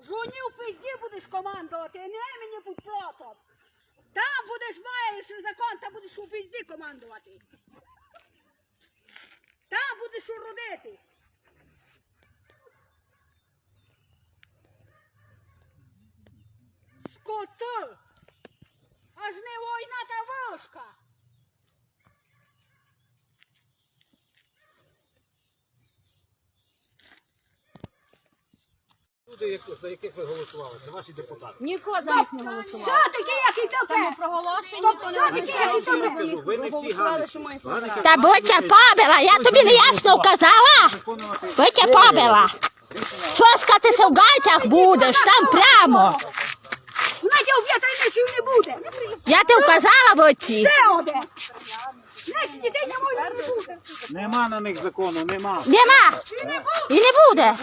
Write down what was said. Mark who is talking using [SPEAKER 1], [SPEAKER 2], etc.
[SPEAKER 1] Жуні в пизді будеш командувати, а не мені будь плотом. Там будеш, маєш закон, там будеш у пизді командувати. Там будеш уродити. Скоту! Аж не війна та вошка.
[SPEAKER 2] Люди, за яких ви голосували, це ваші депутати.
[SPEAKER 3] Нікого за них не голосували.
[SPEAKER 1] Що таке, який
[SPEAKER 3] Тому
[SPEAKER 1] тебе?
[SPEAKER 3] проголошення, то не
[SPEAKER 2] Скажу, ви не всі
[SPEAKER 3] голосували, що ми їх
[SPEAKER 2] Ганича.
[SPEAKER 4] Та будьте побила, я тобі не ясно вказала. Будьте побила. Фоскатися в гайтях будеш, там прямо.
[SPEAKER 1] Знаєте, у вітайниців не буде.
[SPEAKER 4] Я ти вказала в оці.
[SPEAKER 1] Це оде. Знаєте, дітей не може не буде.
[SPEAKER 2] Нема на них закону, нема.
[SPEAKER 4] Нема. І не буде.